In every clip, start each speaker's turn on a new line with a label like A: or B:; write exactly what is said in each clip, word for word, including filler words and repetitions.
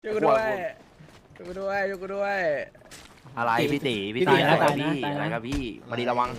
A: ช่วยกูด้วยช่วยกูด้วยช่วยกูด้วย
B: อะไรพี่ตีพี่
C: พี่
B: ตี
C: ตี
B: อะไร
C: ตาย
B: ครับ
C: นะ
B: พี่
C: ตายนะ
B: อะไรครับพี่มาดีระวัง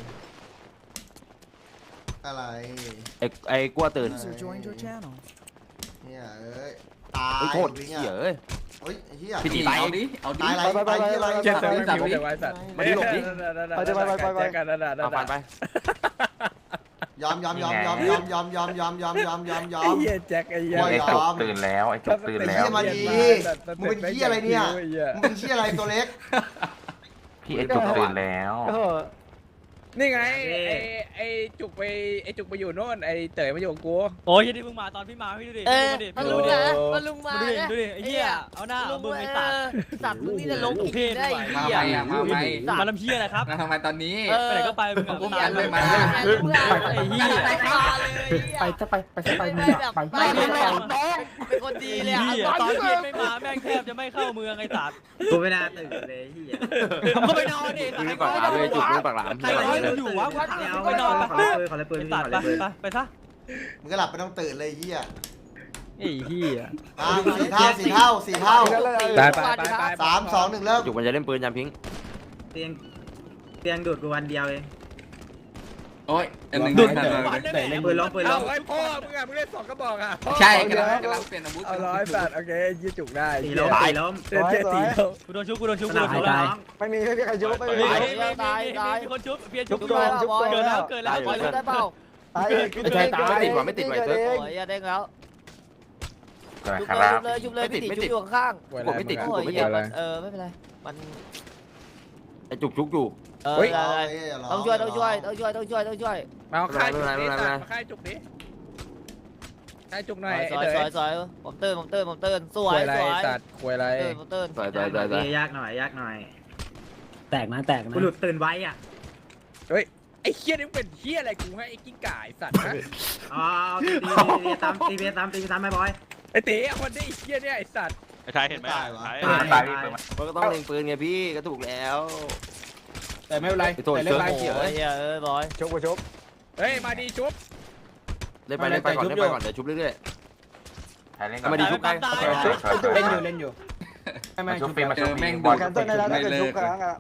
D: อะไร
B: ไอ้ไอ้กลัวตื่น
D: User joined your channel เนี่ยเอ้ยตา
B: ไอ้
D: ย
B: โคตร
D: วิ่ง
B: เหี้ย
D: อ่ะ
B: เอ้ย
D: เฮ้ยไอ้เหี้ย
B: พี่ตี
E: เอาดิเอาดิ
D: ตายอะไรตายที่อะไร
A: เจ็บ
D: ตาย
A: ไม่
D: ที่
A: มีแต่ไว้สัตว์
B: มาดิหลบดิ
A: ไปไปไปไปกันนั่นน่ะนั่
B: เอา
A: น
B: ฟัน
A: น่ะ
B: ไป
D: ยอมยอมยอมยอมยอมยอมยอมยอมยอมยอมยอมยอ
A: ไอ้
D: ม
A: เหี้ยแจ็คไอ้เหี้ย
D: โอ้ย
F: ไอ้จุกตื่นแล้วไอ้จุกตื่นแล้ว
D: ไอ้เหี้ยมาดีมึงเป็นเหี้ยอะไรเนี่ยมึงเป็นเหี้ยอะไรตัวเล็ก
F: พี่ไอ้จุกตื่นแล้ว
A: นี่ไงไอ้ไอ้จุกไปไอ้จุกไปอยู่โน่นไอ้เต๋อมาอยู่กับกู
C: โอ้ยที่มึงมาตอนพี่มาพี่ดูดิ
G: เออ
C: ดูดิ
G: มัน
C: ดู
G: ลุง
C: ดิ
G: นะมันลุงมา
C: ดูดิ
G: นะ
C: ดูดิไอ้เหี้ยเอาหน้าเอามึงไอ้สัตว์
G: สัตว์มึงนี่จะลง
C: โอ้โห
G: ผิดได้
C: เพศ
G: ไอ้
E: มา
G: เหี้ย
E: ใหม่มาใหม่
C: มาลำเหี้ยอะไรครับ
E: มาทำไมตอนนี้
G: เออ
C: ไปไหนก็ไปมึงอะ
E: ผม
C: ตาม
E: เลยมา
G: มึงอะ
C: ไอ้เหี้ย
G: ไปมาเลย
H: ไปจะไปไปจะไป
G: ไป
H: มึง
G: แบ
H: อะ
G: บ
H: ไป
G: ไปไม่ไม่เป็นคนดีเลย
C: ไอ้
G: อ่ะ
C: เหี้ยตอนเย็นไม่มาแม่งแทบจะไม่เข้าเมืองไอ้สัตว์
H: กูไม่น่าตื่นเลยที่
C: ทำก็ไปนอนดิ
B: มึงนี่ปากหลามเลยจุกมึงนี่ปากหลาม
C: ใครบอกให้มึงอยู่วะกูถามมึงไปนอนไป
H: ขอเลยปืนขอเลยปืน
C: ไอ้
H: พี่
C: สั
H: ข
C: ต
H: อ
C: ว์
H: เล
C: ไป
H: ยปืน
C: ไปไปซะ
D: มึงก็หลับไปต้องตื่นเลยเหี้ย
C: ไอ้เหี้ย
D: อ่าสี่เท่าสี่เท่าสี่เท่า
A: ไปไปไปไป
D: สามสองหนึ่งเริ่ม
B: จุกมันจะเล่นปืนยามพิง
H: เตียงเตียงดูดกูวันเดียวเอง
E: โอ้ยอันหนึ่ง
C: ดุด
E: ทัน
C: ทุก
E: เล
C: วัน
E: ย
C: ได้ไหม
H: ปืนล้มปืนล้
A: เอา
H: ม
A: ไอ้พ่อมึงอ่ะมึงเล่นสองกระบอกอ่ะ
E: ใช่กำลังกำลังเปลี่ยนอาวุธ
A: เอาร้อยสัตว์โอเคยี่จุกได้
H: ตี
A: เจ๊
H: ล้มตีล้ม
A: เจ๊เจ๊ตีเขา
C: กูโดนชุบกูโดนชุบ
H: ส
C: กู
H: นา
C: โด
H: ม
C: นชุบ
H: ตาย
A: ไม่มีไม่มีใครยุบไม่มี
C: มีมีมีคนชุบเพียรชุบ
G: ชุบ
C: ด้วย
G: ได้ป่ะบอย
C: เกิดแล้วเกิดแล้ว
G: บอยชุบได้เปล่า
B: ไม่ใช่ตายไม่ติดว่ะไม่ติดว่ะไอ้เซิร์ฟ
G: โอ้ยอย่าเด้งแล้ว
F: ก็
G: ชุบ
F: ค
G: เลย
F: รั
G: ชุ
F: บ
G: บเลยชุบเลย
B: ไม่ติ
G: พี่
B: ด
G: ติ
B: ไม่ติด
G: ชุบอยู่ข้าง
A: กลัวอะไร
B: ผมไม่ติด
G: ๆ
B: กู
G: โอ้ย
B: ไม่
G: เหี้
B: ติ
G: ย
B: ด
G: มันเออไม่เป็นไรมัน
B: ไอ้จุกจุกอยู่
G: เออ
D: เฮ้ย
G: ได้ได้ต้องช่วยต้องช่วยต้องช่วยต้องช่วยต้องช่วย
A: มาเอาค่ายจุกนี้สัตว์มาค่ายจุกนี้ค่ายจุกหน่อย
G: สวยสวยสวยผมเตือนผมเตือนผมเตือนส
A: คว วย ยอะไร
G: สวย
A: สัตว์ควยอะไร
G: เตือนผมเตือน
B: ใส่ใส่ใส่ใส่
H: ยากหน่อยยากหน่อย
C: แตกนะแตกนะ
H: กูหลุดตื่นไว้อ่ะ
A: ไอ้เฮียนี่เป็นเฮียอะไรกูให้ไอ้กิ้งก่าไอ้สัตว์นะ
H: อ๋อตีตีตามตีตามตีตามไม่บอย
A: ไอ้เต๋อคนนี้ไอ้เฮียเนี่ยไอ้สัตว์
I: ไอ้ชายเห็นไหม
D: ตายวะ
F: มันตายพี่เปิดมา
B: มันก็ต้องเล็งปืนไงพี่ก็ถูกแล้ว
A: แต่ไม่เป็นไร
B: ไอ้โทษเซิร์ฟ
G: โอ้โหเหี้ยเออบอย
A: ชุบชุบเฮ้ยมาดีชุบ
B: เล่นไปเล่นไปก่อนเล่นไปก่อนเดี๋ยวชุบเรื่อย
F: ใครเล่น
B: ๆเอามาดีชุบไป
C: ตาย
A: เล่นอยู่เล่นอยู่
F: มาชุบปีมา
E: เจ
F: ชุบ
E: อ
F: ปี
E: แม่ง
F: บ
E: ดู
F: อล
E: กันต้นได้แล้วเลย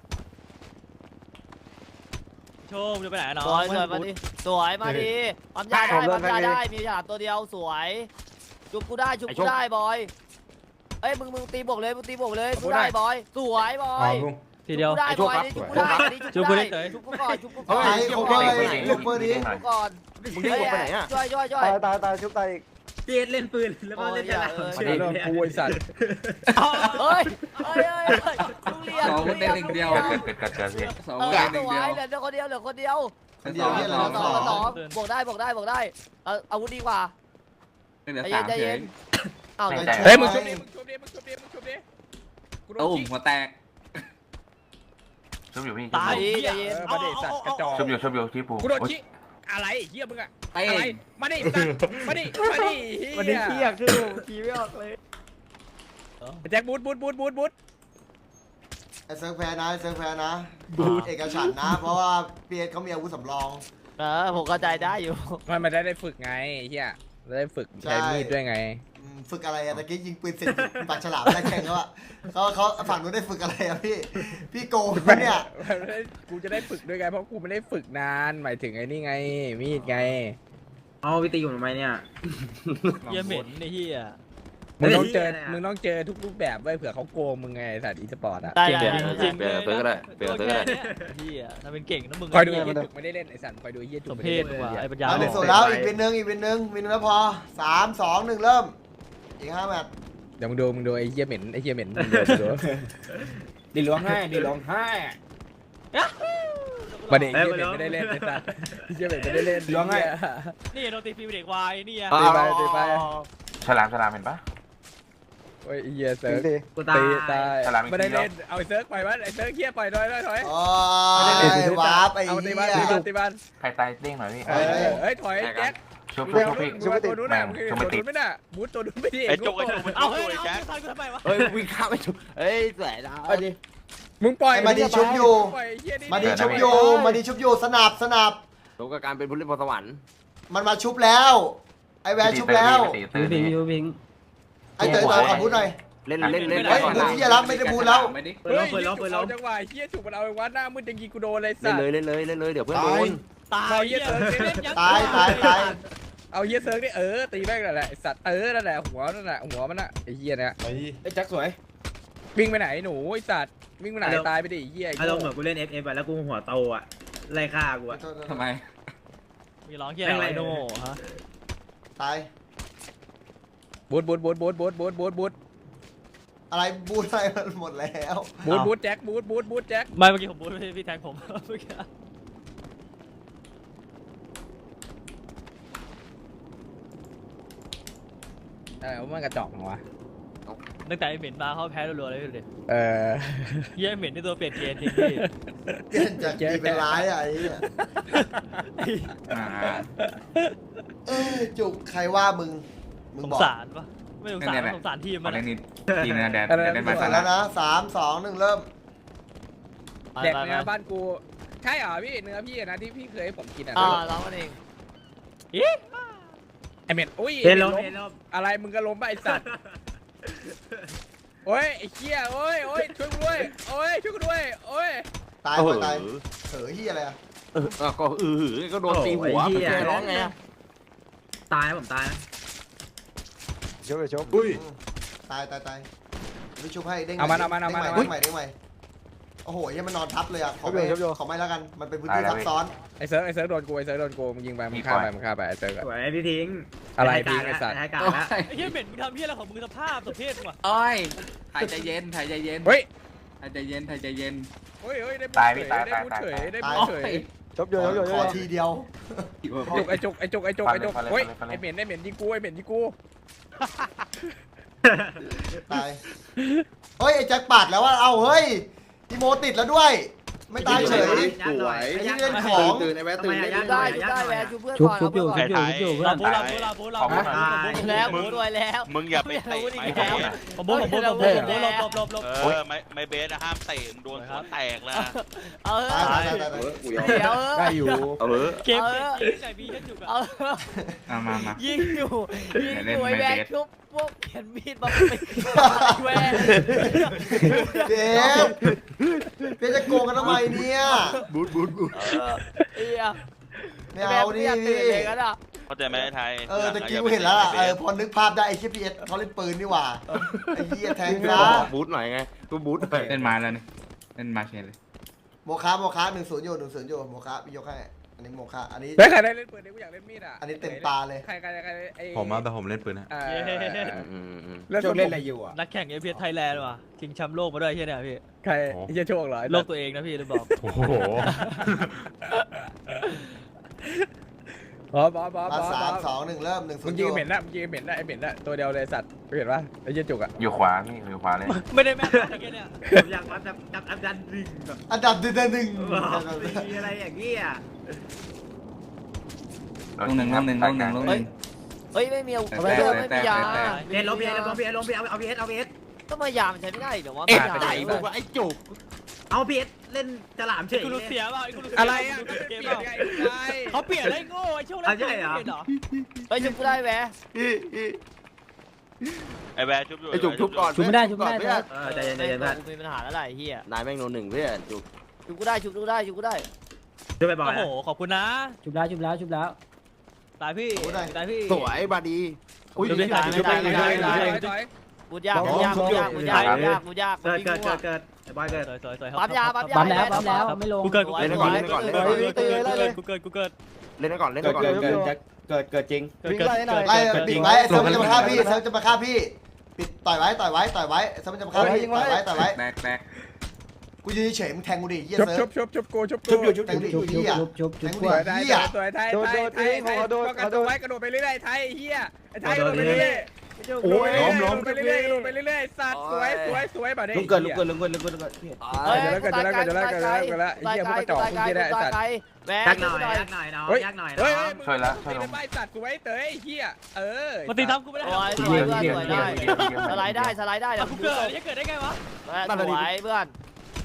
C: โชว์จะไปไหนน้อ
G: สวยสวยมาดิสวยมาดิปั๊มยาได้ปั๊มยาได้มีฉลามตัวเดียวสวยจุบกูได้จุบกูได้บอยเอ้ยมึงมึงตีบวกเลยมึงตีบวกเลยกูได้บอยสวยบอย
C: ทีเดียว
G: ได้บอยนี่จุบกูได้นี่
C: จุ
G: จุ
C: บบ กู
G: กู
C: ได้
G: ได้
C: เต๋อ
G: จุบกูก่อนจุบกูก่
D: เฮ้
G: อน
D: ยเขาก็เลยยกมือดิ
G: จุบกูก่อน
B: มึงดิ้งไปไหนอ่ะ
G: ช่วยช่วยช่วย
A: ตายตายชุบตาย
H: เตียเล่นปืนแล้วก็เล่นฉลาม
A: มาดีเรื่องกูไอ้สัตว์
G: เฮ้ยเฮ้ยเฮ้ยลุงเรียน
E: สอง
G: ลุ
E: คน
G: ง
E: ได้
G: เรียน
E: หนึ่งเดียว
F: เกิดเกิดเกิดเกิดพี่
E: สอง
G: เอ
E: คน
G: อ
E: ได้ห
G: ส
E: นึ่ง
G: ว
E: เดีย
G: ยว เหลือคนเดียวเหลือคนเดียว
D: เดียวที่
G: ส
D: เรา
G: อง
D: ส
G: ส
D: อ
G: อง
D: ง
G: สองบวกได้บวกได้บวกได้เอาอาวุธดีกว่า
E: เหลือ
G: ใจ
E: สา
G: เย็
E: ม
G: นใจ
E: เฉ
G: เย็
E: ย
G: นอ้าว
A: เฮ้ยมึงชุบดิมึงชุบดิมึงชุบดิมึงชุบดิกูโดน
E: ตุ้ม
A: ยิง
E: หัวแตก
F: ชุบอยู่พี่
C: ตาย
A: เออมาดิสัตว์กระจอก
F: ชุบอยู่ชุบอยู่ที่ปู
A: กูโดนชี้อะไรเฮียมึงอะ
E: เต้
A: อะไรมาดิสัตว์มาดิมาดิมาดิเฮีย
H: คือขี่ไม่ออกเลย
A: แจ็คบูทบูทบูทบูทบูท
D: ไอ้เซิร์ฟแพ้นะไอ้เซิร์ฟแพ้นะเอกฉันท์นะ เพราะว่าเปียเขามีอาวุธสำรอง
G: เออผมเข้าใจได้อยู่
A: มันมันได้ได้ฝึกไงเฮียได้ฝึกใช้มีดด้วยไง
D: อืมฝึกอะไรอะตะกี้ยิงปืนเสร็จปากฉลามได้แข่งแล้วอะเขาเขาฝั่งนู้นได้ฝึกอะไรอะพี่ พี่โกงเนี่ย
A: กูจะได้ฝึกด้วยไงเพราะกูไม่ได้ฝึกนานหมายถึงไอ้นี่ไงมีดไง
H: เอาพี่ตีอยู่ทำไมเนี่ย
C: เหี้ยเหม็นไอ้เหี้ย
A: มึงต้องเจอ
H: เฮ้ย
A: มึงต้องเจอทุกรูปแบบไว้เผื่อเขาโกงมึงไงสัตว์อีสปอร์ตอะ
G: ได้
B: เปลี่
G: ได้
B: ยน
G: ได้
B: เปลี่ยนเปลี่ยนเติร์ก็ได้เปลี่ยนเติร์ก็ได้
C: เหี้ยทำเป็นเก่งนะมึง
A: คอยดูไอ้เฮียจุกไม่ได้เล่นไอ้สัตว์คอยดูไอ้เฮียจุ
C: ส
A: ก
C: ม
A: ไม่
C: เพ
A: ได้
C: ศ
A: เล่น
C: ว่ะไอ้ปัญญา
D: เอาหนึ่งส่วนแล้วอีกวินหนึ่งอีกวินหนึ่งวินหนึ่งแล้วพอสามสองหนึ่งเริ่ม อีกห้าแมตช์
A: เดี๋ยวมึงดูมึงดูไอ้เฮียเหม็นไอ้เฮียเหม็นมึงดูมึงดู
H: ดีร้องไห้ดีร้องไห้
A: ประเด็นเฮียเหม็นไม่ได้เล่นไอ้สัตว์เฮียเหม็นไม่ได้เล่น
H: ล้วงไง
C: นี่โดนตีฟรีเด็กวายนี่อ่ะ
A: ตีไปตีไป
F: ฉลามฉลามเห็นปะ
A: โอ้ยไอ้เฮียเซิร์ฟ
H: กูตาย
A: ตีตาย
F: ฉลามอีก
A: ไม่ได้
F: ทีเดียว
A: เล่นเอาไอ้เซิร์ฟปล่อยมันไอ้เซิร์ฟเฮียปล่อยถอยถอยถอย
D: โอ้ยวาร์ปไอ้
A: เอาตี
D: เหี้
A: บ้านตีบ้าน
D: ย
A: ตีบ้าน
F: ใครตายเด้งหน่อยพี่
A: เออเฮ้ยถอยแจ็ค
F: ชุบ
A: เร็
F: ชุบ
A: ว
F: ชุบพี่
A: ตัวนู้นน่ะมึง
F: ชุบ
A: ตั
F: ไม่
A: ว
F: ติด
A: นู้นไม่น่ะบูทตัวนู้นไม่ดี
I: ไอ้จุกไอ้จุกมัน
C: เอา
I: จุก
C: เฮ้ย
I: ไอ้แจ๊ค
C: เอาทำไมวะ
B: เฮ้ยวิ่งข้ามไปชุบเฮ้ยสวยนะ
A: มึงปล่อย
D: ไอ้มาดีชุบอยู่
A: ปล่อยไอ้เหี้ยนี่
D: มาดีชุบอยู่มาดีชุบอยู่สนับสนับ
B: สมกับการเป็นผู้เล่นพรสวรรค์
D: มันมาชุบแล้ว ไอ้แวร์ชุบแล้ว
F: พี่ตีตื่นพี่
H: วิง
D: ไอ้เต๋อเต๋อขับพุทหน่อย
B: เล่นเล่นเล่น
D: เฮ้ย
B: ก่อน
D: บู
B: นะ
D: ที่จะรับไม่ได้บูแล้ว
E: ไม่ดิ
H: เปิดล้อมเปิดล้อมเปิดล้อม
A: จังหวะเฮียจุกมันเอาไอ้วัดหน้ามืดจะยิงกูโดนเลย
B: เล่
A: สั
B: น
A: ต
B: เลย
A: ว์
B: เล่นเลยเล่นเลยเดี๋ยวเพื่อนโดน
C: ตายเหี้ยเซิร์ฟเล่นยักษ์
D: ตายตายตาย
A: เอาเฮียเซิร์ฟนี่เออตีแม่งนั่นแหละไอ้สัตว์เออนั่นแหละหัวนั่นแหละหัวมันน่ะไอ้เฮียเนี่ย
I: ไอ้แจ็คสวย
A: วิ่งไปไหนหนูไอ้สัตว์วิ่งไปไหนตายไปดิไอ้เฮีย
H: อารมณ์เหมือนกูเล่น เอฟ เอฟ อะแล้วกูหัวโตอะไล่ฆ่ากูอะ
E: ทำไม
C: มีร้องเหี้ยอะไรโน่ฮะ
D: ตาย
A: บูทบูทบูทบูทบูทบูทบูทบูท
D: อะไรบูอะไรมันหมดแล้ว
A: บูทบูทแจ็คบูทบูทบูทแจ็ค
C: ไม่เมื่อกี้ผมพูดพี่พี่แทงผมเมื่อกี้
A: เออมันกระจอกเหรอวะ
C: ตั้งแต่ไอ้เหม็นมาเขาแพ้รัวๆเลยดูดิ
A: เออ
C: เหี้ยเหม็นที่ตัวเปลี่ยนเกณฑ์จริงพี่
D: เปลี่ยนจากดีเป็นร้ายอะไอ้เนี่ย
E: อ่า
D: เอ้ยจุกใครว่ามึงมึง
C: สง
D: บอก
C: สารปะไม่สงสารสงสารทีม
E: ขอ
C: มัน
E: เล่นนิดทีนะแดน
A: อะไร
E: แดนมา
D: เปิ
E: ซะ
D: ด
E: แล้
D: แล้ว วนะสามสองหนึ่งเริ่ม
A: แดกเนื้อบ้านกูใช่เหรอพี่เนื้อพี่นะที่พี่เคยให้ผมกินอ่ะ
G: อ่าร้องกันเอง
A: ไอเม็ดอุ้ย
H: เห็นลม
A: ไอ้
H: เห็นลม
A: อะไรมึงก็ล้มไปไอสัตว์โอ้ยไอ้เหี้ยโอ้ยโอ้ยช่วยกูด้วยโอ้ยช่วยกูด้วยโอ้ย
D: ตาย
B: เออ
D: ตายเฮ้ยเฮียอะไรอะ
B: เออก็เออก็โดนตีหัวไปเจอร้องไง
H: ตายนะผมตายนะ
I: ชกเลยชกอุ้ย
D: ตายตายตายวิชุบให้เด้ง
A: เอามันเอามันเอามัน
D: เด้
A: เอา
D: ง
A: มัน
D: ใหม่เด้งใหม่โอ้โหยังมันนอนทับเลยอะขอไม่ขอไม่แล้วกันมันเป็นพื้นที่ซับซ้อน
A: ไอเซิร์ฟไอเซิร์ฟโดนกูไอเซิร์ฟโดนกูมึงยิงไปมึงฆ่าไปมึงฆ่าไปไอเซิร์ฟ
H: สวยพี่ทิ้ง
A: อะไร
H: ให้
A: พี่
H: กา
A: ไอสัตว์
H: ให้การแล้ว
C: ไอ้เหี้ยเหม็นมึงทำเหี้ยอะไรของมึงสภาพสมเพศมึงวะ
E: โอ้ยถ่ายใจเย็นถ่ายใจเย็น
A: เฮ้ย
E: ถ่ายใจเย็นถ่ายใจเย็น
A: เฮ้ยเฮ้ยได้พูด
F: ตาย
A: เฉ
F: พี่
A: ย
F: ตาย
A: ได้
F: ตาย
A: พูด
F: ตาย
A: เฉยได้
D: ตาย
A: พูดเฉย
I: ชกเยอะชกเยอะ
D: ขอทีเดียว
A: ไอจุกไอจุกไอจุกไอจุกไอจุกเฮ้ยไอเหม็นไอเหม็นยิงกูไอเหม็นยิงกู
D: ตายเฮ้ยไอ้แจ็คปาดแล้วว่าเอาเฮ้ยอีโมติดแล้วด้วย ไม่ตายเฉย
H: สวย
D: ไอ้ที่เล่นของ
I: ตื่นไอ้แวะตื่น
G: ชุบได้ชุบได้แวร์ชุบเพื่อนก่อนเอาเพื่อนก่อน
C: เราบูเราบูเราบูเราบู
G: แล้วบูด้วยแล้ว
J: มึงอย่าไปเตะ
G: ไม่
J: ไม่
G: แล้ว
J: โดนนะ
C: ผมบูผมบูผมบูผมบูหลบหลบหลบหลบ
J: เออไม่ไม่เบสนะห้ามเตะมึงโดนหัวแตกนะ
G: เอา
D: ตาย
G: เถ
D: ตาย
G: อะ
D: ตายตาย
I: กูยอม
G: เดี๋ยว
A: ได้อยู่
B: เออ
C: เกมเกมจริงไก่บีแค่จุกอะ
G: เอา
E: เอามามา
G: ยิงอยู่ยิงอยู่ไอ้แวร์ชุบพวกเขียนมีดมาไปแวร์
D: เดฟเดฟจะโกงกันทำไมเนี่ย
I: บูทบูทบูท
G: เอีย
D: ไม่เอาดิ
G: ตื่นเลยกันอ่ะ
J: เข้าใจไหมไอ้ไทย
D: เออตะกี้กูเห็นแล้วล่ะเออพอนึกภาพได้ไอ้ชิพีเอสเขาเล่นปืนนี่หว่าไอ้เหี้ยแทงซะ
B: บูทหน่อยไงกูบูทหน่อย
E: เล่นมาแล้วนี่เล่นมาเชนเลย
D: โมคาโมคาหนึ่งศูนย์อยู่หนึ่งศูนย์อยู่โมคาพี่ยกให้อันนี้โมคาอันนี้
A: เฮ้ยใครได้เล่นปืนเนี่ยกูอยากเล่นมีดอ่ะ
D: อันนี้เต็มตาเลย
A: ใครใครใครไอ้
I: ผมมาแต่ผมเล่นปืนนะ
A: เออ
B: อืมอืม
A: เล่น
I: โจเล่นอะไรอยู่อ่ะ
C: นักแข่งเอพีเอสไทยแลนด์ว่ะชิงแชมป์โลกมาด้วยเฮียเนี่ยพี่
A: ใครไอ้เหี้ยโชคเหรอ
C: โลกตัวเองนะพี่ลืมบอก
I: โอ้โห
A: บอสบอสบอส
D: มา
A: บอส
D: สาม
A: บอส
D: สองหนึ่งเริ่มหนึ่งศู
A: มึ
D: น
A: ง
D: ย์อ
A: ยิง
D: ยู่
A: เหม็นนะมึงยิงเหม็นนะไอเหม็นนะตัวเดียวเลยสัตว์เห็นปะไอ้เหี้ยจุกอ่ะ
F: อยู่ขวาพี่อยู่ขวาเลย
C: ไม่ได้แม่นนะเฮียเนี่ย
H: ผมอยากวัดจับจับอันดับหนึ่งแบบ
D: อันดับหนึ่งหนึ่ง
H: มีอะไรอย่างเงี้ย
E: ลงหนึ่งลงหนึ่งลงหนึ่งลงหนึ่ง
G: เฮ้ยไม่มีเอาไม่มีไม่มียา
H: เพียรลงเพียรลงเพียรลงเพียรเอาเพียรเอาเพียร
G: ก็มายามันใช้ไม่ได้เดี๋ยวว่า
B: เอ็ด
G: ยา
B: ไหนมึงวะไอ้จุก
H: เอาเพียรเล่นฉลามเฉย
C: กูรู้เสียเปล่าไอ้กูรู้เสีย
A: อะไรอ่ะ
C: เก
A: เปลี่
C: ม
A: ยน
C: เปล่า
A: ไงไง
C: เขาเปลี่ยนได้โง่ไอ้ช่วงแรกเปลี่ยนเหรอ
G: เฮ้ยชุบกูได้แวร์
J: ไอ้แวร์ชุบอยู่
B: ไอ้จุกชุบก่อน
G: ชุบไม่ได้ชุบไม่ได้
B: เพื่อน
H: เออใจเย็นใจเย็นเพื่อน
G: กูมีปัญหาแล้วไอ้เหี้ย
B: นายแม่งโนหนึ่งเพื่อนจุก
G: ชุบกูได้ชุบกูได้ชุบกูได้
H: ช่วยไปบ่อ
C: โอ้
H: ย
C: โหขอบคุณนะ
G: ชุบแล้วชุบแล้วชุบแล้ว
C: ตายพี่ตายพี่
B: สวยบาดี
G: อุ้ยไม่ได้ไม่ได้ไม่ได้ไม่ได้กูยากกูยากกูยากกูยากกูยากกูยาก
H: เกิดเกิดเกิดเกิดไอ้บอยเกิด
C: สวยสวยสวย
G: ปั๊มยาปั๊มยา
C: ปั๊มแล้วปั๊มแล้วไม่ลงกูเกิดกูเกิดกูเกิดกูเกิดกูเกิดกูเกิด
B: เล่นไปก่อนเล่นไป
I: เกิด
B: ก่อน
I: เกิดเกิดเกิดเกิดจริง
C: วิ่งไล่หน่อย
D: ไล่ปิดไว้เซิร์ฟมันจะมาฆ่าพี่เซิร์ฟจะมาฆ่าพี่ปิดต่อยไว้ต่อยไว้ต่อยไว้เซิร์ฟมันจะมาฆ่าพี่ต่อยไว้ต่อยไว้
E: แตกแตก
D: กูยืนเฉยมึงแทงกูดิเหี้ย
A: ชุบ
D: เซิ
A: ชุ
D: ร์
A: บ
D: ฟ
A: ชุบชุบกูชุบ
I: ชุบอยู่ชุบ
D: แท
I: อง ยู่
D: ดิเหี้ยแทงกู
A: สวย
D: ดิ
A: ไทย
D: เหี้ย
A: สวยไทยไทยไทยไทยกระโดดไว้กระโดดไปเรื่อยๆไทยเฮียไอ้ไทยกระโดดไปเรื่อยๆ
I: โอ้ยล้มล้ม
A: ไปเรื่อยๆไปเรื่อยๆสัตว์สวยสวยสวยแบบนี้
I: ลุกเกินลุกเกินลุกเกินลุกเกินลุกเกิน
G: เฮ้ยกูตายไกลกูตายไกลกูตายไกลกูตายไกลแวร์
H: ยักห
G: ชุ
H: น่
G: บ
H: อย
G: หน่อย
H: ยักหน่อยน้อง
A: เฮ้ย
H: ยักหน่อย
A: เฮ้ย
H: น้อง
A: ช่วยละช่วยละไม่สัตว์สวยเตยเฮียเออ
C: มาตีทำกูไม่ได้
G: สวยสวยเพื่อนสวยได้สไลด์ได้สไลด์ได้เดี๋ยว
C: กู
G: กู
C: เกิดยังเกิดได้ไงวะ
G: สวยเพื่อน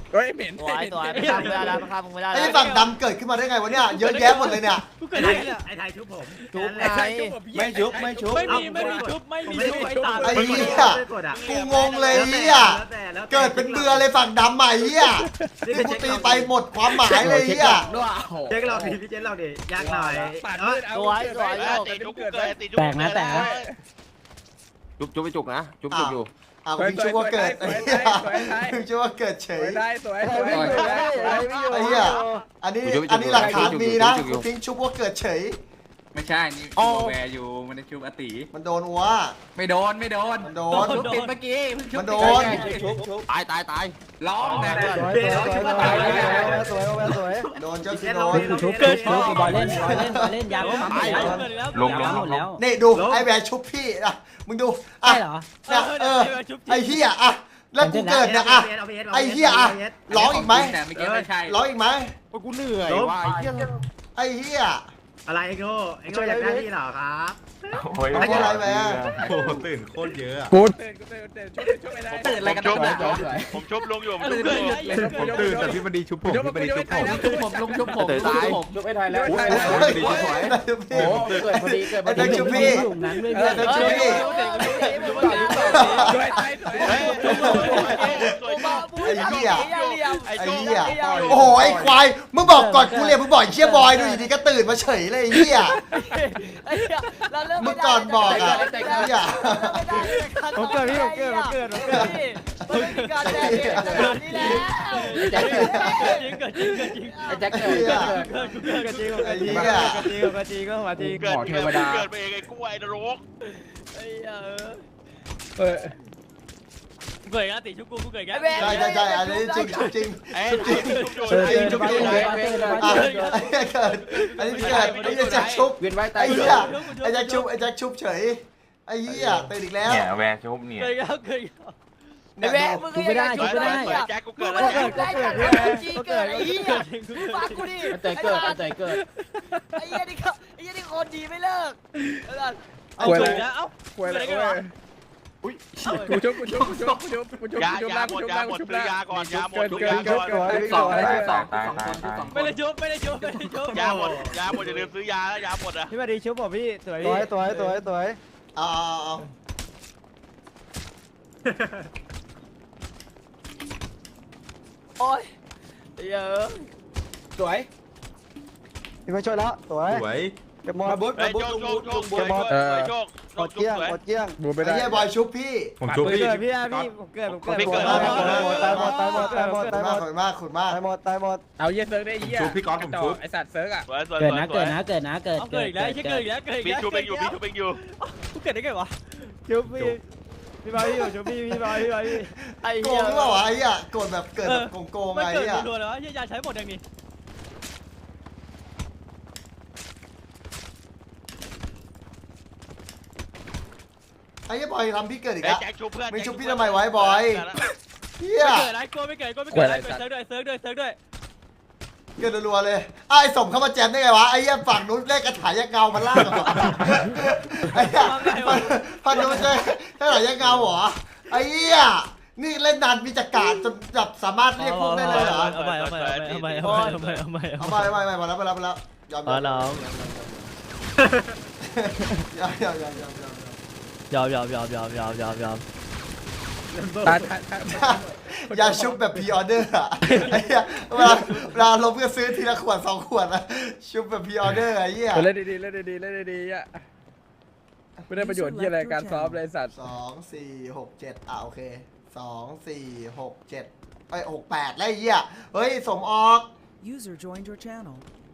A: เฮ้ยเหม็น
G: สวยสวยไม่ฆ่ามึงไม่ได้แล้วไม่ฆ่ามึงไม่ได้
D: ไอ้
G: แล้ว
D: ฝั่งดำเกิดขึ้นมาได้ไงวะเนี่ยเยอะแยะหมดเลยเนี่ย
H: กูเกิดอะไรเนี่ยไอ้ไทยชุบผม
G: ทุบไง
I: ไม่ชุบไม่ชุบ
A: ไม่มีไม่มีชุบไม่มีชุบไอ้ตา
D: ไอ้เหี้ยกูงงเลยเหี้ยเกิดเป็นเบือเลยฝั่งดำใหม่เหี้ยที่กูตีไปหมดความหมายเลยเหี้ย
H: เจ๊กเราดิพี่เจ๊กเราดิยากหน่อย
A: ปาดมืดเอา
J: ติดชุบเกิดเลยติดชุบ
C: แตกนะแตกนะ
B: จุบจุบไปจุกนะจุบจุบอยู่
D: อ้าวมึงชื่อว่าเกิดไอ้เหี้ยมึงชื่อว่าเกิดเฉ
A: สวย ยได้สวยสวย
D: ไอ้เหี้ยอันนี้อันนี้หลักฐานมีนะกูทิ้งชุบว่าเกิดเฉย
E: ไม่ใช่นี่แวร์อยู่มันจะชุบอติ
D: มันโดนอัว
E: ไม่โดนไม่โดน
D: มันโดน
E: ชุบติดเมื่อกี้เพิ่งชุบ
D: มันโดน
I: ชุบชุบ
B: ตายตายตาย
E: ร้องนะ
C: สวยสวยสวยสวยสวยสวย
D: โดนเจ้าสิโดน
C: ชุบชุบชุบบอลเล่นบอลเล่นบอลเล่นยาวหมดแล้ว
F: ลงลง
C: ห
F: ล
C: ม
F: ง
C: ดแล้ว
D: นี่ดูไอ้แหวนชุบพี่นะมึงดูอ่ะ
C: ใช่เหรอ
D: เนี่ยเออไอ้เหี้ยอ่ะแล้วกูเกิดเนี่ยอ่ะไอ้เหี้ยอ่ะร้องอีกไหม
E: แต่เมื่อกี้ไม่ใช่
D: ร้องอีกไหม
B: โอ้ยกูเหนื่อยว่ะไอ้เหี้ย
D: ไอ้เหี้ย
H: อะไรไอ้โง่ไอ้โง่อยากได้ที่เหรอครับ
F: โอ้ย
D: ไอ้อะไรแหวน
I: โอ้ตื่นโคตรเยอะ
A: กูตื่นกูตื่นตื่นชุบชุบไม่ได้
E: ตื่นอะไรกัน
J: ชุบ
E: นะ
J: ผมชุบลงอยู่ผมชุบลงอยู่
I: ผมตื่นแต่พี่มันดีชุบผมพี่มันดีชุบผม
E: ชุบผมลงชุบผม
B: เตะตาย
C: ชุบไม่ได้แล้ว
D: ไอ้เด็กชุบพี่
C: เกิดพอดีเกิดพอ
D: ไอ้
C: ดี
D: เด็กชุบพี่
C: หลุมนั้นด้วย
D: ไอ้เด็กชุบพี่
A: สวยตายสวย
D: ไอ้เหี้ย
J: ไอ้
D: ไอ้
J: โจ้
D: เหี้ยโอ้โหไอ้ควายมึงบอกก่อนกูเรียนมึงบอกไอ้เชี่ยบอยดูอยู่ดีก็ตื่นมาเฉยเลยไอ้เหี้ย มึงก่อนบอกอ่ะไอ้เหี้ย
G: ผมเกิดพี่ผมเกิดผมเกิดผมเกิดมันมีการแดงขนาดนี้แล้ว
C: แจ็คเกิดจริงเกิดจริงเกิดจริงไอ้แจ็คเกิดเกิดเกิดจริง
D: ไอ้เหี้ย
C: จริงก็จริงก็มาจริง
J: เกิดเกิดเกิดไปเองไอ้กล้วยนรก
G: ไอ้เหี้ย
A: เออ
C: เกิดกันติชุบกูกูเกิดกัน
D: ใช่ใช่ใช่อันนี้จริงจริง
J: ไอ้
D: จริง
J: ชุบ
D: จริงจริงจริงอ่ะไอ้เหี้ยเกิดอันนี้เกิดไอ้เหี้ยแจ็คชุบ
C: เวียนไว้ตา
D: ไอ้
C: ย
D: เหี้ยไอ้แจ็คชุบไอ้แจ็คชุบเฉยไอ้เหี้ยตื่นอีกแล้ว
F: เนี่ยแวร์ชุบเนี่ย
C: เกิดกันเกิด
G: ไอ้แม่มึงก็ยังชุบไม่ได้
J: แจ็คกูเกิด
G: มึ
J: แล้
G: ง
J: ว
G: เกิดได้กันจริงเกิดไอ้เหี้ยฟังกูดิ
C: เกิดเกิดเกิดเกิด
G: ไอ้เหี้ยนี่ก็ไอ้เหี้ยนี่คนดีไม่เลิก
A: เอาเลยเอ้าควยเลยอุ้ยกูชุบกูชุบกูชุบกูชุบกูชุบ
J: ยา
A: กูชุบ
J: ยา
A: ล่าง
J: หม
A: กู
J: ด
A: ชุบ
J: ยา
A: ล่าง
J: หม
A: กู
J: ด
A: ชุบ
J: ซื้อ
A: ล่าง
J: ยาก่อนยาหมด
A: เกิน
J: ทุก
A: เกิ
J: ยาน ก่อน
A: เกิน
E: สอง
F: ตายตายตายตาย
C: ไม่ได้ชุบไม่ได้ชุบไม่ได้ชุบ
J: ยาหมดยาหมดอย่าลืมซื้อยาแล้วยาหมดอ่ะ
C: พี่มาดีชุบผมพี่สวย
I: สวยสวยสวยสวย
D: เอาเอาเอา
G: โอ้ยเยอะ
I: สวยพี่มาช่วยแล้วสวย
B: สวย
I: เก็บมอ
B: มา
I: ส
B: บุ๊ด
J: ไอ้
B: มาบุ๊ด
J: โชค
B: ลุง
J: โช
B: บุ๊
J: ค
B: ด
J: โช
B: ลุ
J: ค
B: ง
J: โช
B: บุ๊
J: ค
B: ด
J: โชคโชค
I: กดเกี้ยง
J: สวย
I: กดเกี้ยง
A: บูไม่
D: ไอ้
A: ได้
D: เหี้ยบอยชุบพี่
B: ผมชุบพี่
C: เกิดพี่พี่ผมเกิดผมเกิด
J: พี่เกิด
I: ตายหมดตายหมดตายหมดตายหมดตายหมด
D: ขอบมากขอบมาก
I: ตายหมดตายหมด
A: เอาเยี่ยเซิร์กได้เยี่ย
B: ชุบพี่ก๊อตผมชุบ
A: ไอสัตว์เซิร์กอ่ะ
J: สวยสวย
C: เกิด
J: สวย
C: นะ
J: ส
C: เกิ
J: วย
C: ดนะเกิดนะเกิด
H: เกิดอีกแล้วเกิดอีกแล้วเกิดอีก
J: พี่
H: แล้ว
J: ชูเองอยู่พี่ชูเองอยู่
H: กูเกิดได้ไงวะชุบพี่พี่บอยพี่ชุบพี่พี่บอยพี่บอยพี่
G: ไอ้
D: โก
G: เหี้
D: ง
G: ย
D: หรือเปล่าวะไอ้เหี้ยโกดแบบเกิดแบบโกงๆ
H: มัน
D: ไอ้
H: เกิด
D: เหี้ย
H: รัวๆเลยวะยาใช้หมดยังนี่
D: ไอ้เหี้ยบอยทำพี่เกิดอีก
J: ไอ้
D: แล้ว
J: แจ็คชูเพื่อน
D: ไม่ชุบพี่ทำไมไว้บอยเหี้ย
H: ไม่เกิดไรกลัวไม่เกิดกลัวไม่เกิดไรเซิร์ฟด้วยเซิร์ฟด้วยเซิร์ฟด้วย
D: เกิดรัวๆเลยไอ้สมเข้ามาแจมได้ไงวะไอ้เหี้ยฝั่งนู้นเลขกระถายยักษ์เงามันล่างเหรอไอ้เหี้ยฝั่งนู้นใช่กระถายยักษ์เงาเหรอไอ้เหี้ยนี่เล่นนานมีจักรจนแบบสามารถเรียกพวกได้เลยเหรอ
H: เอาไปเอาไปเอาไปเอาไปเอาไปเอาไปเอา
D: เอา
H: ไป
D: ไปไปไปมาแล้วมาแล้วมาแล้วยอมย
H: อ๋
D: อ
H: อ
D: ม
H: น้อง
D: ยอมยอมยอมยอมยอม
H: ยอมยอมยอมยอมยอมยอมยอม
A: ตาตาตา
D: อย่าชุบแบบพรีออเดอร์อะไอ้เหี้ยเวลาเวลาลงเพื่อซื้อทีละขวดสองขวดอะชุบแบบพรีออเดอร์ไอ้เหี้ย
A: เล่นดีๆเล่นดีๆเล่นดีๆอ่ะไม่ได้ประโยชน์เยี่ยอะไรการซ้อมเลยสัตว์
D: สองสี่หกเจ็ดอ่ะโอเคสองสี่หกเจ็ดไอ้หกแปดแล้วไอ้เหี้ยเฮ้ยสมออก
K: User joined your channel.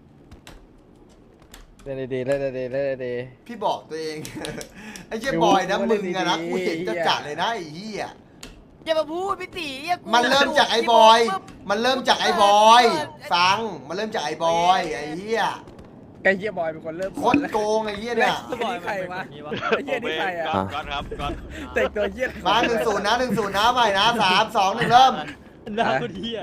A: เล่นดีๆเล่นดีๆเล่นดี
D: พี่บอกตัวเอง ไอ้เหี้ยบอยนะมึงอะนะกูเห็นจะจัดเลยนะไอ้เหี้ย
G: อย่ามาพูดพี่ตี
D: มันเริ่มจากไอ้บอย มันเริ่มจากไอ้บอย ฟัง มันเริ่มจากไอ้บอยไอ้เหี้ย
A: ๆไอ้เยี่ยบอยเป็นคนเริ่ม
D: โคตรโกงไอ้เหี้ยเนี่ย
A: ไอ้นี่ใครวะไอ้เยี่ยนี่ใครอ่ะ
J: ก่อนครับก่อน
A: เตะตัวเยี่ย
D: มาหนึ่งศูนย์นะหนึ่งศูนย์นะใหม่นะสามสองหนึ่งเริ่ม
H: หน้ากูเหี้ย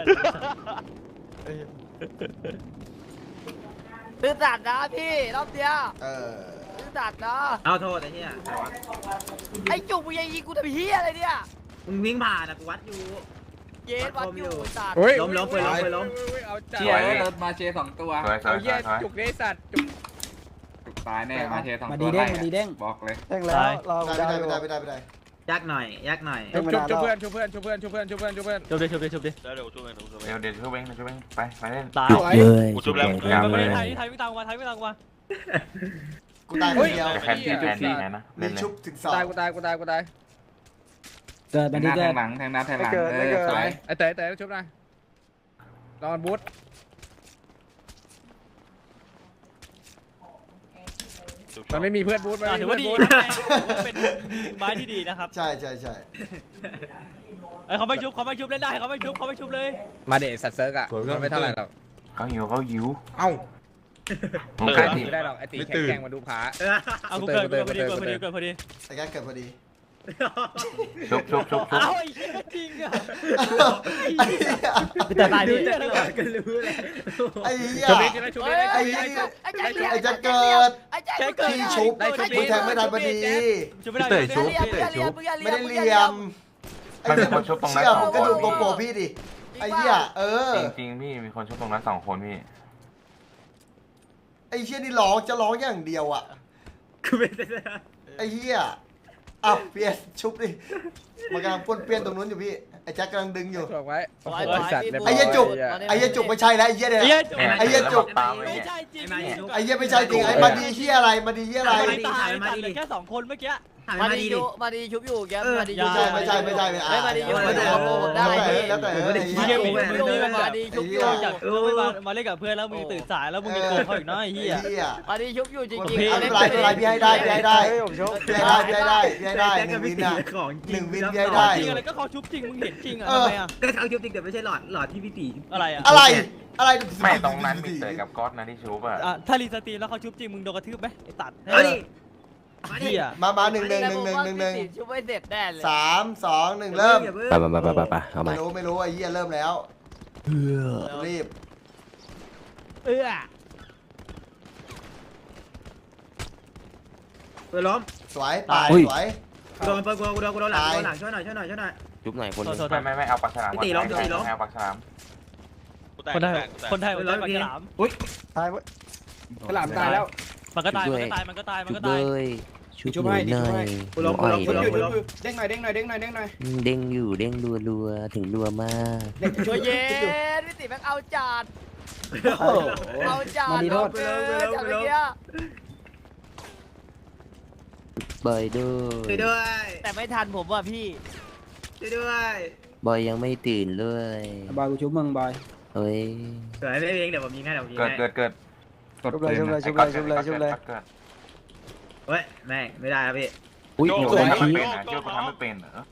G: ตื้อตัดนะพี่รอบเดียว
D: เออ
G: ตื้อตัดนะ
H: เอาโทษไอ้เหี้ย
G: ไอ้จุกมึงยังยิงกูทำเหี้ยอะไรเนี่ย
H: มึงวิ่งผ่านอะกูวัดอยู่
G: เย็นวัดอยู่สัตว์
A: เฮ้ย
C: ล้มล้มไปล้มไปล้ม
A: เอาจัด
E: เชียร์รถมาเชียร์สองตัว
F: สวยสว
A: เอา
F: ยส
A: เหี้
F: วย ยสวย
A: จุกเดสัตว์จุก
E: ถูกตายแน่มาเชียร์สอง
H: มา
E: ตั
H: ดี
E: ว
H: เด้ง
E: ไล่
H: มาดีเด้ง
E: บอกเลย
I: แจ้งแล้วรอ
D: ไม่
I: ดา
D: ได้
I: ว
D: ไม่ได้ไม่ได้ไม่ได้
C: ยักหน่อยยักหน่อย
A: จุกจุกจุกเพื่อนจุกเพื่อนจุกเพื่อนจุกเพื่อนจุกเพื่อนจุกเพื่อนจุกเพื่อน
H: ชุบดิชุบดิชุบดิ
J: เดี๋ยวเดี๋ยวช่วยเองเดี๋ยวช่วยเอ
F: เดี๋ยว
J: ง
F: เดี๋ยวช่วยเองช่วยเองไปไปเล่น
H: ตาย
A: สวย
J: กูชุบแล้วกูชุบ
F: กลาง
J: แล้ว
F: เลย
H: ไทยไทยวิ่งตามกูมาไทยวิ่งตามกูมา
D: กูตายคนเดียว
F: จะแคนที่แคนที่ไงนะ
D: มี
F: เล่นเลย
D: ชุบถึงสอง
A: ตายกูตายกูตายกูตาย
H: เกิด
E: แท
H: มาง
E: ห
H: ดี
E: น้าแท
H: เกิด
E: งหลังแทงหน้าแทงหลัง
I: ไม่เกิด
E: เอ
I: ไม่
E: อ
I: เกิด
E: สวย
A: ไอ้เต๋อเต๋อชุบนะรอนบูท
J: ชุบ
A: มันไม่มีเพื่อนบูทมัน
H: อ่ะ
A: ไม่
H: ถื
A: มี
H: อ
A: เพื่
H: ว่า
A: อนบูท
H: ดีเป็นไม้ที่ดีนะครับ
D: ใช่ใช่ใช่
H: เอ้ยเขาไม่ชุบเขาไม่ชุบเล่นได้เขาไม่ชุบเขาไม่ชุบเลย
A: มาเดะสัตว์เซิร์กอ่ะมันไม่เท่าไหร่หรอก
F: เขาหิวเขาหิว
A: เอ้า
F: มึง
A: ใคร
F: ใคร
A: ตี
F: ตี
A: ไม่ได้หรอกไอ้ตีแข่งมาดูผา
H: เอากูเกิดเกิดพอดีเกิดพอดีเกิดพอดี
D: ไอ้แกเกิดพอดี
F: ชุบชุบชุบชุบ
H: เอ้าไอ้เหี้ยจริงอ่ะ
D: ไอ้เหี้ย
H: แต่ตายดิ
C: ก็รู้แหละ
D: ไอ้เหี้ย
A: ชุบนี้ใช่ไหมชุบนี้
D: ไอ้
A: ได้
D: เหี้ย
G: ไอ้แจ็ค
D: ไอ้จะเกิด
G: ไอ้แจ็คเกิด
D: ที่ชุบมึงแทงไม่ทันพอดี
H: ชุบไม่ได้ชุบ
G: เรียบเรียบเรียบ
D: ไม่ได้เหลี่ยมไอ้เหี้ยเชื่อผมก็ดูโกโปรพี่ดิไอ้เหี้ยเออ
F: จริงจริงพี่มีคนชุบตรงนั้นสองคนพี่
D: ไอ้เหี้ยนี่ร้องจะร้องอย่างเดียวอ่ะ
C: คือเป็น
D: ไอ้เหี้ยอ้าวเปียนชุบดิมันกำลังป้วนเปี้ยนตรงนู้นอยู่พี่ไอ้แจ็คกำลังดึงอยู่
A: ถ่วงไว้
G: ไอ้
A: สัตว์
D: ไอ้เหี้ยจุกไอ้เหี้ยจุกไม่ใช่แล้วไอ้เหี้ยเนี่ย ไอ้เหี้ยจุก
F: ตามไป
H: ไม่
F: เนี่ย
H: ใช่จริง
D: ไอ้เหี้ยไม่ใช่จริงไอ้มาดีเหี้ยอะไรมาดีเหี้ยอะไร
H: ไม่ตายตัดเหลือแค่สองคนเมื่อกี้
C: ถ่าย
G: มา
C: มา
G: ดี
C: ดี
G: ชุ
C: ดิ
G: บมาดีชุบอยู่แกมาดี
D: ไม่ใช่ไม่ใช่ไม่ใช่ไม่
G: ไม่มาดีชุบได้
D: แล้วแต่แล้วแต่
H: มึงเกมมึงมึงนี่มัน
G: มาดีชุบอยู่
H: จากไม่มามาเล่นกับเพื่อนแล้วมึงตื่นสายแล้วมึงยังโกงเขาอีกน้อยไอ้เหี้ย
D: เหี้ย
G: มาดีชุบอยู่จริง
D: ไม่
G: ๆ
D: เป็นไรไม่เป็นไรพี่ให้ได้พี่ให้ได้
I: เฮ้ยผมชก
D: พี่ให้ได้พี่ให้ได้พี่ให้ได้หนึ่งวินอ่ะ
C: ของ
D: หนึ่งวินพี่ให้ได้
H: จริงอะไรก็เขาชุบจริงมึงเห็นจริงอ่ะทำไมอ่ะ
C: ก็เขาชุบจริงแต่ไม่ใช่หลอดหลอดที่พี่ตี
H: อะไรอ่ะ
D: อะไรอะไร
F: ไม่ตรงนั้นมีเต๋อกับก๊อตนะที่ชุบอ่ะ
H: อ่ะถ้ารีสตรีมแล้วเขาชุบจริงมึงโดนกระทืบไหมไอ้ตัด
C: เอาดิมาดิ
H: เหี้ย
D: มามาหนึ่งหนึ่งหนึ่งหนึ่งหนึ่งหนึ่ง
G: ชุบไม่เสร็จแน่เลย
D: สามสองหนึ่งเริ่ม
I: ไปไปไปไปไปเอาใหม่
D: ไม่รู้ไม่รู้ไอ้เหี้ยเริ่มแล้วรีบ
H: เออ
C: เปิดล้ม
D: สวยตายสวย
C: กูโดนเปิดกูโดนกูโดนหลังกูโดนหลังช่วยหน่อยช่วยหน่อยช่วยหน่อย
I: จุ๊บหน่อยคน
H: โทษโทษ
F: ไม่ไม่ไม่เอาปลาฉลาม
C: พี่ตีล้มพี่ตีล้ม
F: เอาปลาฉลาม
J: กูแตก
H: คนไทย
J: กูแตกกูแตก
H: คนไทยคนไทยปากฉลาม
I: ตายเว้ย
A: ฉลามตายแล้ว
H: มันก็ตายมันก็ตายมันก็ตายมันก็ตาย
I: ชุบหน่อยหน่อย
C: กูล้มกูล้มกูล้มกูล้ม
A: เด้งหน่อยเด้งหน่อยเด้งหน่อยเด้งหน่อย
I: เด้งอยู่เด้งรัวรัวถึงรัวมาก
G: ช่วยเย็นพี่ติแม่งเอาจัดเอาจัดเอาเกินจัดเมื่อกี้
I: บอยด้ว
C: ช่วย
I: ย
C: ด้วย
G: แต่ไม่ทันผมว่ะพี่
C: ช่วยด้วย
I: บอยยังไม่ตื่นเลย
H: บอยกูชุบมึงบอย
I: เฮ้ย
C: สวยไม่เองเดี๋ยวผมยิงให้เดี๋ยวผมยิง
F: เกิด
C: ให้
F: เกิดเกิด
I: ชุบเลยชุบเลยชุบเลยชุบเลยชุบเลย
F: เกิด
C: เฮ้ยแม่งไม่ได้ครับพี่
I: อุ้ย
F: โจ้
I: โดน
F: ทำไม่
I: ชี้
F: เป็นนะโจ้ทำไม่เป็นเหรอ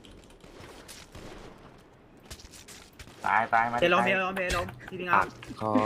F: ตายตายมา
C: เดี๋ยวล้มเดี๋ยวล้มเดี๋ยวล้มที่พี่งา
I: ปักคอ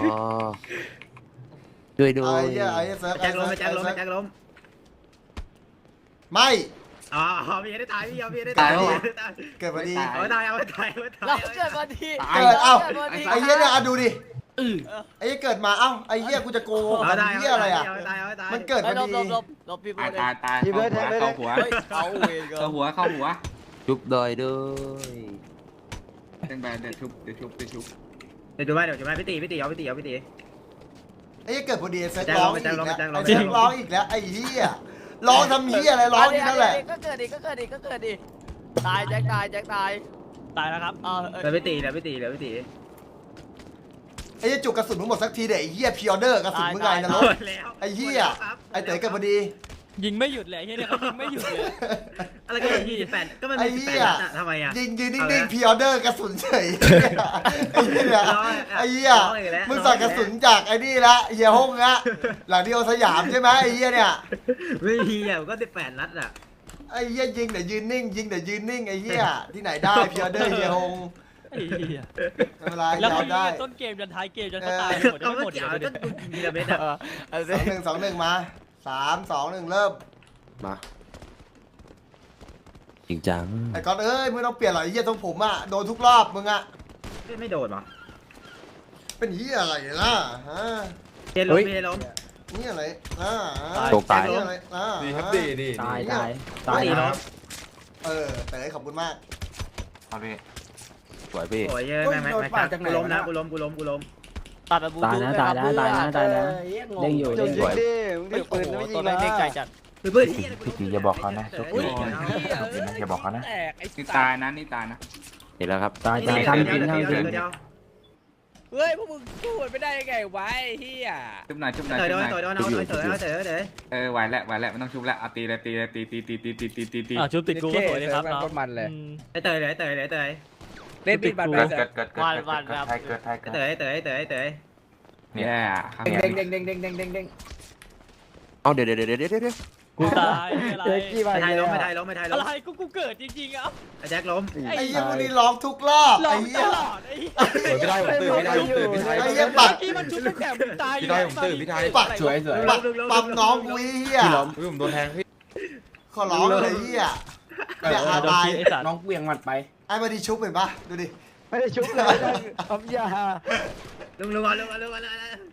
I: ด้วยด้ว
D: ไอ้
I: ย
D: เหี้ยไอ้เหี้ยเซิร์ฟ
C: แจ็คล้มแจ็คล้มแจ็คล้ม
D: ไม่
C: อ๋อพี่ได้ตายพี่ยอมพี่ได้ตายพี่ได้ตาย
D: เกิดพอดี
C: เอาตายเอาตายเอาตาย
G: เราเกิดวันที่
D: เกิดเอ้า
G: กิดวันที่
D: ไอ้เหี้ยเนี่ยอ่ะดูดิไอ้เหี้ยเกิดมาเอ้าไอ้เหี้ยกูจะโกง
C: เอาตาย
D: ไอ้เหี้ยอะไรอ่ะ
C: เอาตายเอาตาย
D: มันเกิดพ
G: ไอ้
D: อ
G: ลบ
D: ดี
G: ลบลบลบพี่พู
E: ตาย
G: ด
E: ตายตายเข้าหัวเข้าหัว
G: เฮ้ยเอาเวร
E: เข้าหัวเข้าหัว
I: ชุบดอยด้วย
E: เต้นแบบเดี๋ยวชุบเดี๋ยวชุบเดี๋ยวชุบ
C: เดี๋ยวดูไว้เดี๋ยวดูไว้พี่ตีพี่ตีเอาพี่ตีเอาพี่ตี
D: ไอ้เหี้ยเกิดพอดีเซิร์ฟ
C: แจ็ค
D: ร้
C: ร้
D: อ
C: อง ง
D: อีกแล้ว
C: แจ็คร้อง
D: ไอ้เซิร์ฟร้องอีกแล้วไอ้เหี้ยร้องทำเหี้ยอะไรร้องอยู่นั่นแหละ
G: ก็เกิดดิก็เกิดดิก็เกิดดิตายแจ็คตายแจ็คตาย
H: ตายแล้วครับ
G: เออเอ
C: เดี๋ยว
G: อ
C: พี่ตีเดี๋ยวพี่ตีเดี๋ยวพี่ตี
D: ไอ้เหี้ยจุกกระสุนมึงหมดสักทีเดี๋ยวไอ้เหี้ยพิออเดอร์กระสุนมึงไงนะรถ
C: แล้ว
D: ไอ้เหี้ยไอ้เต๋อเกิดพอดี
H: ยิงไม่หยุดเลยไอ้เหี้ยเนี่ยเขายิงไม่หยุดเลย
C: อะไรก็ยี่สิบแปดก็มันมีสิบแปดนัดทำไมอ่ะ
D: ยิงยืนนิ่งๆพิออเดอร์กระสุนเฉยไอ้เหี้ยไอ้เหี้ยมึงสั่งกระสุนจากไอ้นี่ละเหี้ยห้องละหลังที่เอาสยามใช่ไหมไอ้เหี้ยเนี่ย
C: ไม่มีอ่ะก็สิบแปดนัดอ่ะ
D: ไอ้เหี้ยยิงแต่ยืนนิ่งยิงแต่ยืนนิ่งไอ้เหี้ยที่ไหนได้พิออเดอร์เหี้ยห้อง
H: ไอ้เหี้ย
D: ไม่เป็นไร
H: แล้ว
D: ยอ
H: เขา
D: ม
H: ยิง
D: ได้
H: กันต้นเกมจนท้ายเกมจนเขาตายหมด
C: เอา
H: ไม่
C: ไม่
H: หมด
C: เกี่ยว
H: เลย
C: ก็ยิงระเบิดอ่ะ
G: เอา
D: สองหนึ่งสองหนึ่งมาสามสองหนึ่งเริ่ม
I: มาจริงจัง
D: ไอ้ก๊อตเอ้ยมึงต้องเปลี่ยนหรอไอ้เหี้ยทรงผมอ่ะโดนทุกรอบมึงอ่ะ
C: ไม่โดนหรอ
D: เป็นเหี้ยอะไรล่ะฮะ
C: เฮล้มเฮล้ม
D: นี่อะไรอ่า
I: ตกตาย
D: นี่อะไรอ่า
A: ดีครับดีดี
G: ตายตาย
C: ตายล้ม
D: เออเต๋อขอบคุณมาก
F: เอาดิ
B: สวยพี่
C: โอ้ยแม่แม่แม่กูล้มนะกูล้มกูล้มกูล้ม
G: ตัดไปบู
I: ตายนะตายนะตายนะตายนะเด้งอยู่
B: เด้
I: เด้
B: ง
I: ง
B: อ
I: อยู่ ยู่ดิมึง
G: โอ้
I: ถือปืน
G: โห
I: ไม่ยิ
G: ตัว
I: ง
G: แม่งเด้งใจ
I: นะ
G: จัด
C: เพื่อน
F: พี่ตีอย่าบอกเขานะชุบ
A: อุ้ย
F: ดีนะอย่าบอกเขานะ
A: แตกไอ้
E: นี่
A: สั
E: ตาย
A: ตว์
E: นะนี่ตายนะ
B: เห็นแล้วครับ
I: ตายตายทำจริงทำจริง
A: เฮ้ยพวกมึงสู้มันไม่ได้ยังไงวะไอ้เฮีย
E: ชุบหน่อยชุบหน่อย
C: เตย
E: ชุบ
C: โด
E: ห
C: น
E: น่อย
C: เตยโดนเอาเตยเตยเตยเตย
E: เออไหวแล้วไหวแล้วไม่ต้องชุบแล้วเอาตีเลยตีเลยตีตีตีตีตีตีตีตี
H: อ่ะชุบติดกูก็สวยดีครับ
A: เซิร์ฟแม่งโคตรมันเลย
C: เตยเลยเตยเลยเตย
A: เล่นมีดบันไป
F: เกิด
A: เสร็
F: เกิ
A: จ
F: ดเกิดเกิดเกิดเกิดไทยเกิดไทยเกิด
C: เตยเตยเตยเตย
E: เนี่ยข้าง
A: เด้
E: นี้
A: งเด้งเด้งเด้งเด้งเด้งเด้ง
B: เอาเดี๋ยวเดี๋ยวเดี๋ยวเดี๋ยวเดี๋ยว
H: กูตายอะไร
I: เจ๊กี้ไป
C: ไม่ไทย
I: เล
C: ล้ม
I: ย
C: ไม่ไทยล้มไม่ไทยล้
H: อะ
C: ม
H: ไรกูกูเกิดจริงๆอ่ะ
C: แจ็คล้ม
D: ไอ้เหี้ยพวกนี้ร้องทุกรอบ
H: หลอ
D: ไอ้
H: ก
D: เหี้
H: ต
D: ย
H: ลอดไอ้
B: ไม่ได้ผมตื่นไม่ได้ผมตื่นพี่ไทย
D: ไอ้เหี้ยปั
H: เมื่
D: ด
H: อกี้มันชุบตั้งแต่มึงตายอยู่
B: พี่ได้ผมตื่นพี่ไทย
D: ปัด
B: สวยสวย
D: ปัดปั๊มน้องกูไอ้เหี้ย
B: พี่ล้มพี่ผมโดนแทงพี่
D: ขอร้องเลยไอ้เหี้ยเนี่ยอาตาย
H: ไอ้สัตว์
B: น้องเวียงหมัดไป
D: ไอ้มาดีชุบเห็นปะดูดิ
I: ไม่ได้ชุบเลยปั๊มยา
C: ลุงลุงลุงลุงลุง